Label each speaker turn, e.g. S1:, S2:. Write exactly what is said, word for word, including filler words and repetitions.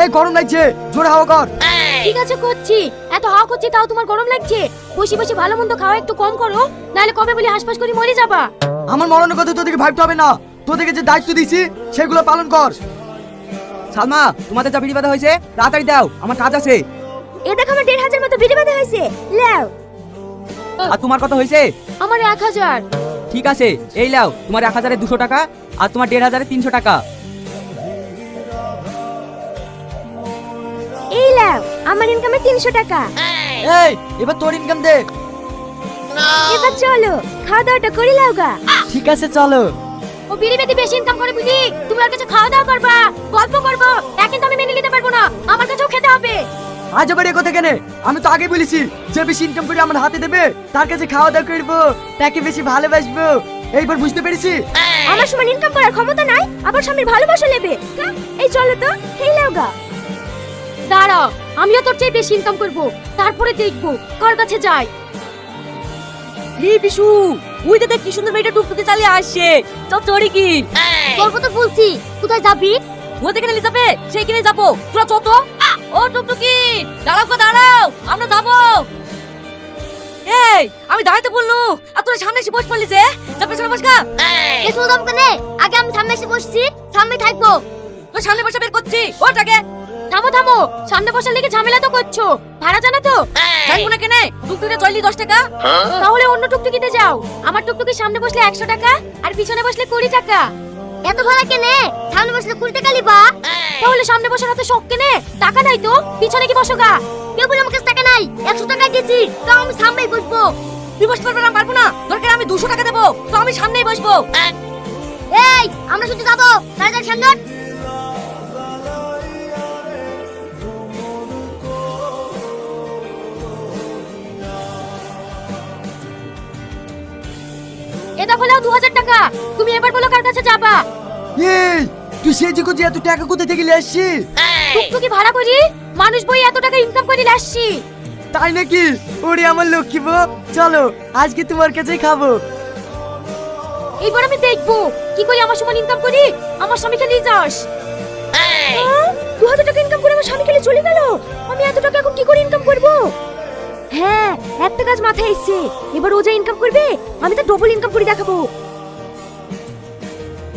S1: এই গরম লাগছে, জোরে হাওয়া কর।
S2: ঠিক আছে করছি, এত হাওয়া করছি তাও তোমার গরম লাগছে? বসে বসে ভালো মন্দ খাওয়া একটু কম করো, নাহলে কবে বলি হাসপাস করে মরে যাবা।
S1: আমার মরণের কথা তোদেরকে ভাবতে হবে না, তোদেরকে যে দায়িত্ব দিয়েছি সেগুলো পালন কর।
S3: সালমা, তোমাদের যা বিড়ি বাঁধা হয়েছে তাড়াতাড়ি দাও, আমার কাজ আছে।
S2: এ দেখো আমার দেড় হাজার মতো বিড়ি বাঁধা হয়েছে, লাও।
S3: আর তোমার কত হয়েছে?
S2: আমার এক হাজার।
S3: ঠিক আছে, এই লাও তোমার এক হাজারে দুশো টাকা আর তোমার দেড় হাজারে তিনশো টাকা।
S2: এই লাও আমার ইনকামে তিনশো টাকা।
S1: এই এবার তোর ইনকাম দে।
S2: এবার চলো খাওয়া দাওয়াটা করে লাও গা।
S1: ঠিক আছে চলো।
S2: ও বিড়ি বেশি বেশি ইনকাম করে বুঝি, তুমি ওর কাছে খাওয়া দাওয়া করবা, গল্প করবো, তা কিন্তু আমি মেনে নিতে পারবো না, আমার কাছেও খেতে হবে।
S1: আজ আবার এ কথা কেন? আমি তো আগে বলেছি যে বেশি ইনকাম করে আমার হাতে দেবে তার কাছে খাওয়া দাওয়া করবো, তাকে বেশি ভালোবাসবো। এইবার বুঝতে পেরেছি?
S2: আমার সমান ইনকাম করার ক্ষমতা নাই, আবার স্বামীর ভালোবাসা নেবে। এই চলো তো খেয়ে লাও গা। দাঁড়াও, আমিও তোর চেয়ে বেশি ইনকাম করব, তারপরে দেখবো কার কাছে যাই।
S4: এই বিশু, ওই দাদা কি সুন্দর মেয়েটা টুকটুকে চালিয়ে আসছে, চল চড়ি কি?
S2: তোর কথা বলছি, কোথায় যাবি?
S4: ও যেখানে নিয়ে যাবে সেইখানে যাবো, তোরা চত। ও টুকটুকি দাঁড়াও গো দাঁড়াও, আমরা যাবো। এই আমি দাঁড়াইতে বললু আর তোরা সামনে এসে বস পড়লি যে, যা পেছনে বস গা।
S2: এসো দাম কেনে, আগে আমি সামনে এসে বসছি, সামনে থাকবো।
S4: তোর সামনে বসে বের করছি, ওটাকে।
S2: থামো থামো, সামনে বসার লেগে ঝামেলা তো করছো, ভাড়া জানো তো?
S4: জানবো না কেনে, টুকটুকে চললি দশ টাকা।
S2: তাহলে অন্য টুকটুকিতে যাও, আমার টুকটুকির সামনে বসলে একশো টাকা আর পিছনে বসলে কুড়ি টাকা। এত ভাড়া কেনে? সামনে বসলে কুড়ি টাকা লিবা। তাহলে সামনে বসার হাতে শখ কেনে, টাকা নাই তো পিছনে কি বসো গা। কেউ বলে আমার কাছে টাকা নাই, একশো টাকা দিয়েছি, তাও আমি সামনেই বসবো।
S4: তুই বসতে পারবে না? পারবো না, দরকার আমি দুশো টাকা দেবো, তো আমি সামনেই বসবো।
S2: এই আমরা শুধু যাবো, তাড়াতাড়ি সামনে। এটা হলো দু হাজার টাকা, তুমি এবার বলো কার কাছে যাবা।
S1: এই তুই সেজে গুজে এত টাকা কোথা থেকে নিয়ে আসছিস?
S2: টুকটুকি ভাড়া করি, মানুষ বই এত টাকা ইনকাম করে আসছি।
S1: তাই নাকি? ওরে আমার লক্ষ্মী বউ, চলো আজকে তোমার কাছেই খাবো।
S2: এইবার আমি দেখবো কি করে আমার সমান ইনকাম করি, আমার স্বামীকে নিয়ে যাস। দু হাজার টাকা ইনকাম করে আমার স্বামী খেলে চলে গেল, আমি এত টাকা এখন কি করে ইনকাম করব? হ্যাঁ একটা কাজ মাথায় এসছে, এবার ও যা ইনকাম করবে আমি তো ডবল ইনকাম করে দেখাবো।